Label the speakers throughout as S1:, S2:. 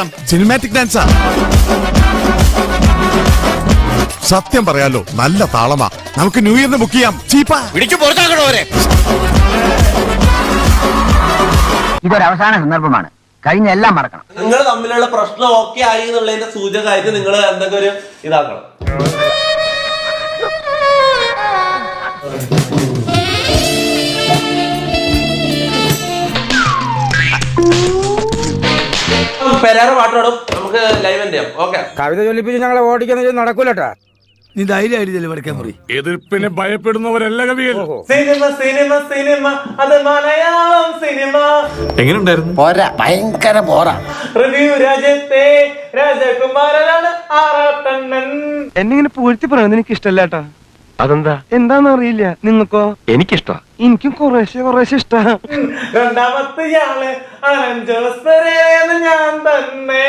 S1: നോക്കാം. സിനിമാറ്റിക് ഡാൻസാ. സത്യം പറയാലോ, നല്ല താളമാ. നമുക്ക് ന്യൂ ഇയറിന് ബുക്ക് ചെയ്യാം. ചീപ്പാ.
S2: ഇതൊരു അവസാന സന്ദർഭമാണ്. കഴിഞ്ഞ എല്ലാം മറക്കണം.
S3: നിങ്ങൾ തമ്മിലുള്ള പ്രശ്നം ഓക്കെ ആയി എന്നുള്ളതിന്റെ സൂചകമായിട്ട് നിങ്ങൾ എന്തൊക്കെ ഒരു ഇതാക്കണം. പെരാറ് പാട്ടോടും നമുക്ക് ലൈവ് ചെയ്യാം. ഓക്കെ,
S4: കവിത ചൊല്ലിപ്പിച്ച് ഞങ്ങളെ ഓടിക്കുന്ന നടക്കൂലട്ടാ.
S5: നീ ധൈര്യമായിട്ട് വടക്കാൻ മുറി.
S1: എതിർപ്പിനെ ഭയപ്പെടുന്നവരല്ല കവികൾ.
S3: സിനിമ സിനിമ സിനിമ അത് മലയാളം സിനിമ.
S1: എങ്ങനെയുണ്ടായിരുന്നു?
S5: പോരാ, ഭയങ്കര പോരാ.
S3: റിവ്യൂ രാജ്യത്തെ രാജകുമാരനാണ് ആറാട്ടണ്ണൻ.
S4: എന്നിങ്ങനെ പൂഴ്ത്തി പറയുന്നത് എനിക്ക് ഇഷ്ടല്ലേട്ടാ.
S5: അതെന്താ?
S4: എന്താന്നറിയില്ല. നിങ്ങൾക്കോ?
S5: എനിക്കിഷ്ടാ.
S4: എനിക്കും കുറേശ്ശെ ഇഷ്ടാ.
S3: രണ്ടാമത്തെ ആള് അനഞ്ചോസ്പരേന്ന് ഞാൻ തന്നെ.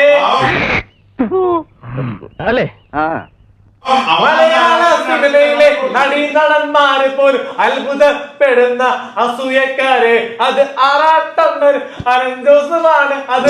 S5: അല്ലേ?
S3: മലയാള സിനിമയിലെ നടീനടന്മാരെ പോലും അത്ഭുതപ്പെടുന്ന അസൂയക്കാരെ അത് ആറാട്ടണ്ണൻ അനഞ്ചോസമാണ്. അത്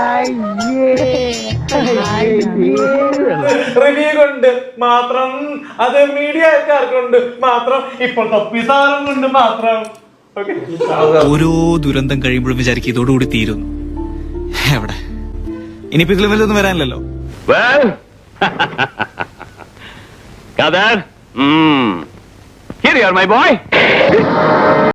S3: റിവ്യൂ കൊണ്ട് മാത്രം, അത് മീഡിയക്കാർ കൊണ്ട് മാത്രം, ഇപ്പോൾ തൊപ്പിസാറും കൊണ്ട് മാത്രം.
S6: ഓരോ ദുരന്തം കഴിയുമ്പോഴും വിചാരിക്കും ഇതോടുകൂടി തീരും. എവിടെ ഇനിയിപ്പോ ഇതിൽ വല്ലതൊന്നും വരാനില്ലല്ലോ.
S5: Here you are, my boy.